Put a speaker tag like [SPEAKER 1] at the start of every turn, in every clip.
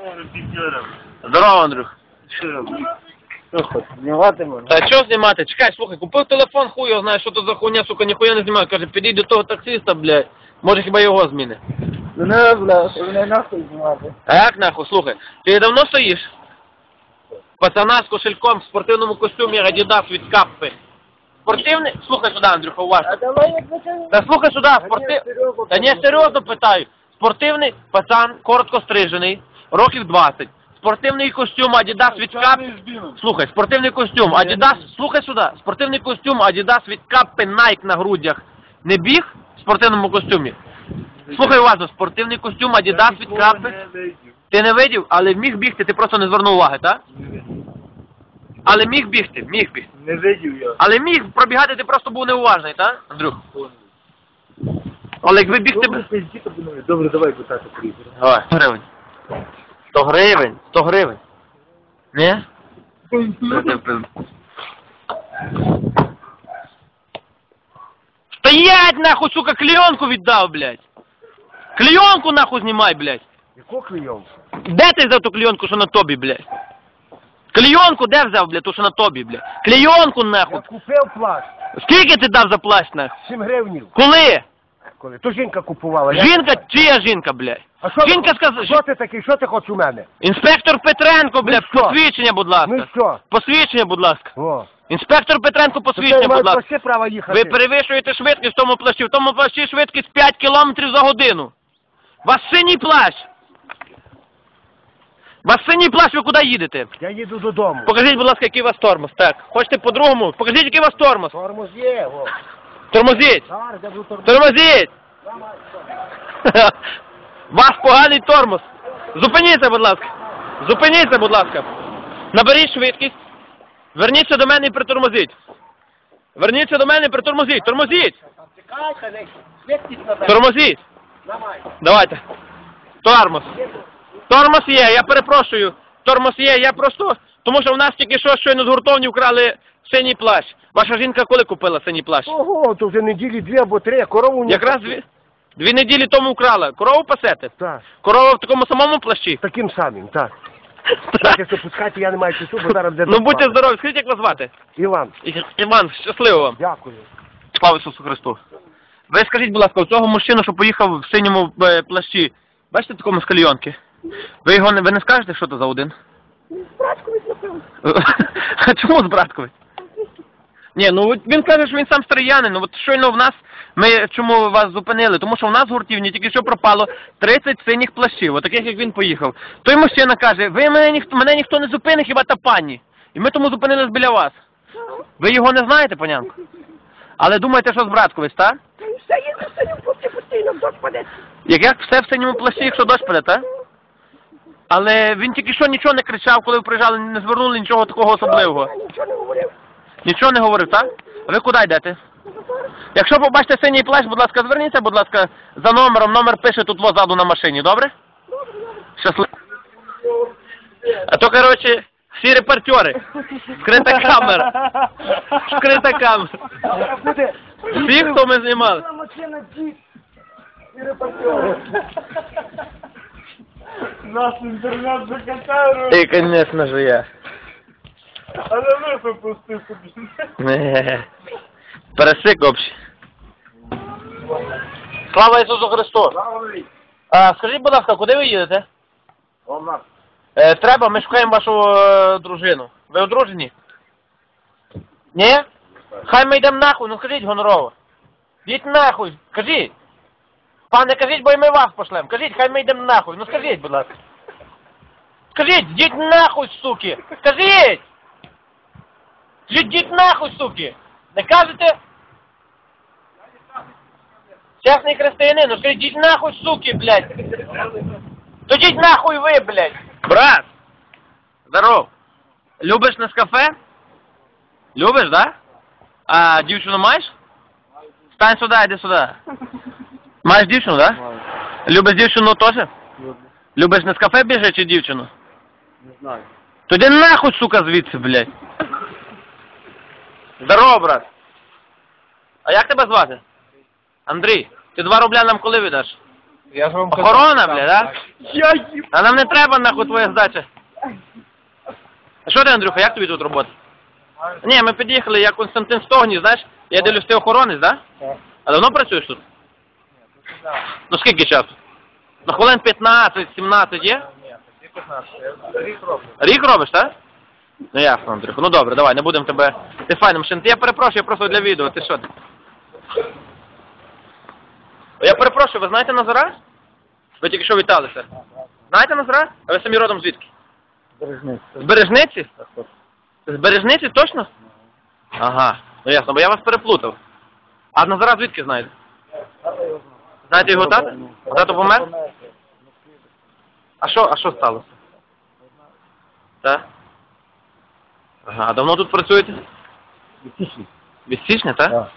[SPEAKER 1] Здорово, Андрюх.
[SPEAKER 2] Що робиш? Що хочеш, знімати можна?
[SPEAKER 1] Та що знімати? Чекай, слухай, купив телефон, хуй його знає, що то за хуйня, сука, ніхуя не знімаю. Каже, підійди до того таксиста, блядь. Може хіба його зміни.
[SPEAKER 2] Ну не, бля, не нахуй знімати.
[SPEAKER 1] А як нахуй, слухай, ти давно стоїш? Пацана з кошельком в спортивному костюмі Adidas від Каппи. Спортивний? Слухай сюди, Андрюха, уважно.
[SPEAKER 2] А давай як закажемо.
[SPEAKER 1] Та слухай сюди, Та ні, серйозно питаю. Спортивний пацан, коротко стрижений, років 20. Спортивний костюм Adidas від Каппи. Слухай, спортивний костюм Adidas, слухай сюди. Спортивний костюм Adidas від Каппи, Nike на грудях. Не біг в спортивному костюмі? Слухай уважно, спортивний костюм Adidas від Каппи. Ти не видів, але міг бігти, ти просто не звернув уваги, так? Але міг бігти, міг бігти.
[SPEAKER 2] Не видів я.
[SPEAKER 1] Але міг пробігати, ти просто був неуважний, так, Андрюх? Але якби бігти...
[SPEAKER 2] Добре, давай питати приїзд.
[SPEAKER 1] Давай, 100 гривень. 100 гривень, 100 гривень. Ні? Стоять, нахуй, сука, клеенку віддав, блядь. Клеенку, нахуй, знімай, блядь.
[SPEAKER 2] Яку клейонку?
[SPEAKER 1] Де ти взяв ту клеенку, що на тобі, блядь? Клеенку де взяв, блядь, ту, що на тобі, блядь? Клеенку, нахуй.
[SPEAKER 2] Я купив плащ.
[SPEAKER 1] Скільки ти дав за плащ, нахуй?
[SPEAKER 2] 7 гривнів.
[SPEAKER 1] Коли?
[SPEAKER 2] Коли? То жінка купувала.
[SPEAKER 1] Жінка, чия жінка, блядь?
[SPEAKER 2] А що
[SPEAKER 1] Жінка
[SPEAKER 2] ти,
[SPEAKER 1] сказала,
[SPEAKER 2] що ти такий, що ти хочеш у мене?
[SPEAKER 1] Інспектор Петренко, блядь,
[SPEAKER 2] Ну що?
[SPEAKER 1] посвідчення, будь ласка.
[SPEAKER 2] Ну і що?
[SPEAKER 1] Посвідчення, будь ласка.
[SPEAKER 2] О.
[SPEAKER 1] Інспектор Петренко, посвідчення,
[SPEAKER 2] Ти маєш
[SPEAKER 1] будь ласка.
[SPEAKER 2] вообще право їхати.
[SPEAKER 1] Ви перевищуєте швидкість в тому плащі. В тому плащі швидкість 5 кілометрів за годину. У вас синій плащ. У вас синій плащ, ви куди їдете?
[SPEAKER 2] Я їду додому.
[SPEAKER 1] Покажіть, будь ласка, який у вас тормоз. Так. Хочете по-другому? Покажіть, який у вас тормоз.
[SPEAKER 2] Тормоз є, о.
[SPEAKER 1] Тормозіть.
[SPEAKER 2] Зараз я буду тормоз.
[SPEAKER 1] Тормозіть. У вас поганий тормоз. Зупиніться, будь ласка. Зупиніться, будь ласка. Наберіть швидкість. Верніться до мене і притормозіть. Верніться до мене і притормозіть. Тормозіть. Тормозіть. Давайте. Тормоз. Тормоз є, я перепрошую. Тормоз є, я просто... Тому що в нас тільки що щойно з гуртовні вкрали синій плащ. Ваша жінка коли купила синій плащ?
[SPEAKER 2] Ого, то вже неділі 2 або 3, а корову не...
[SPEAKER 1] Якраз 2 неділі тому вкрала. Корову пасете?
[SPEAKER 2] Так,
[SPEAKER 1] Корова в такому самому плащі?
[SPEAKER 2] таким самим, так. Так, якщо пускати, я не маю часу, бо зараз буде...
[SPEAKER 1] Ну будьте здорові, скажіть, як вас звати?
[SPEAKER 2] Іван,
[SPEAKER 1] Іван, щасливо вам.
[SPEAKER 2] дякую.
[SPEAKER 1] Слава Ісусу Христу. Ви скажіть, будь ласка, у цього мужчину, що поїхав в синьому плащі, бачите такому з кальйонки? Ви не скажете, що це за один?
[SPEAKER 2] Браткович, напевно.
[SPEAKER 1] А чому з Браткович? Ні, ну він каже, що він сам стариянин. Ну от щойно в нас, ми чому вас зупинили? Тому що в нас в гуртівні тільки що пропало 30 синіх плащів, отаких як він поїхав. Той мужчина каже, мене ніхто не зупинить, хіба та пані. І ми тому зупинились біля вас. Ви його не знаєте, панянко? Але думаєте, що з Браткович, так?
[SPEAKER 2] Все їде в синьому плащі постійно, дощ паде.
[SPEAKER 1] Як все в синьому плащі, якщо дощ паде, так? Але він тільки що нічого не кричав, коли ви приїжджали, не звернули нічого такого особливого.
[SPEAKER 2] Нічого не говорив.
[SPEAKER 1] Нічого не говорив, так? А ви куди йдете? Якщо побачите синій плащ, будь ласка, зверніться, будь ласка, за номером. Номер пише тут позаду на машині, добре? Щасливо. А то, коротше, всі репортери. Скрита камера. Скрита камера. Всі, хто ми знімали.
[SPEAKER 2] Машина дід і репортери. Наш інтернет закатає.
[SPEAKER 1] І, звісно ж, я.
[SPEAKER 2] Але ви попусти собі.
[SPEAKER 1] Пересик общий. Слава Ісусу Христу! Скажіть, будь ласка, куди ви їдете? Треба, ми шукаємо вашу дружину. Ви одружені? Ні? Хай ми йдемо нахуй, ну скажіть гонорово. Йдіть нахуй, кажіть. Пане, кажіть, бо і ми вас пошлемо. Кажіть, хай ми йдемо нахуй, ну скажіть, будь ласка. Скажіть, йдіть нахуй, суки! Скажіть! Йдіть нахуй, суки! Не кажете? Чесний християнин, ну скажіть, йдіть нахуй, суки, блядь! То йдіть нахуй ви, блядь! Брат! Здоров! Любиш Нескафе? Любиш, да? А дівчину маєш? Стань сюди, йди сюди. Маєш дівчину, да? Любиш дівчину теж? Любиш Нескафе біжи чи дівчину?
[SPEAKER 2] Не знаю.
[SPEAKER 1] То йди нахуй, сука, звідси, блядь. Здорово, брат. А як тебе звати? Андрій. Ти 2 рубля нам коли віддаш?
[SPEAKER 3] Я ж вам
[SPEAKER 1] Охорона, бля, да?
[SPEAKER 2] Я їм.
[SPEAKER 1] А нам не треба, нахуй, твоя здача. А що ти, Андрюха, як тобі тут робота? Ні, ми під'їхали, я Константин Стогнів, знаєш, я дивлюсь, ти охоронець, да?
[SPEAKER 3] Так.
[SPEAKER 1] А давно працюєш тут? Ну скільки часу? Ну хвилин 15-17 є?
[SPEAKER 3] Ні, тоді 15. Я рік роблю.
[SPEAKER 1] Рік робиш, так? Ну ясно, Андрюха. Ну добре, давай, не будемо тебе... Ти файна машина. Я перепрошую, я просто для відео, ти що? Я перепрошую, ви знаєте Назара? Ви тільки що віталися. Знаєте Назара? А ви самі родом звідки? З Бережниці? З Бережниці, точно? Ага, ну ясно, бо я вас переплутав. А Назара звідки знаєте? Знаєте його тата? Тато помер? А що сталося? Так? Ага, а давно тут працюєте? Від січня, так?
[SPEAKER 3] Так.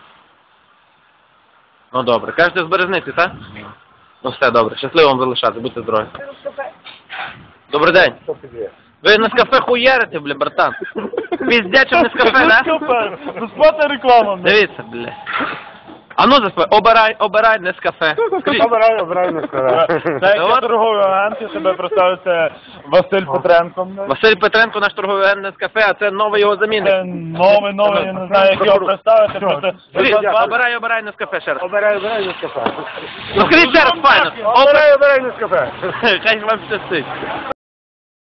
[SPEAKER 1] Ну добре. Кажете, з Березниці, так? Ну все, добре. Щасливо вам залишати, будьте здорові. Добрий день.
[SPEAKER 3] Що тобі?
[SPEAKER 1] Ви на кафе хуярите, бля, братан. Піздячим не з кафе, да?
[SPEAKER 3] Безплатна реклама.
[SPEAKER 1] Дивіться, бля. А ну заспай, обирай не з кафе. Скажіть.
[SPEAKER 2] Обираю, не сказав.
[SPEAKER 3] Це як я торговий агент, я себе представив, це Василь Петренко.
[SPEAKER 1] Василь Петренко, наш торговий агент не з кафе, а це новий його
[SPEAKER 3] Це
[SPEAKER 1] замінник.
[SPEAKER 3] новий, я не знаю, як його представити. Просто
[SPEAKER 1] Скажіть, обирай не з кафе ще раз.
[SPEAKER 2] Обираю, не сказав.
[SPEAKER 1] Ну скажіть ще раз, файно.
[SPEAKER 2] Обираю, не сказав.
[SPEAKER 1] Хай вам щастить.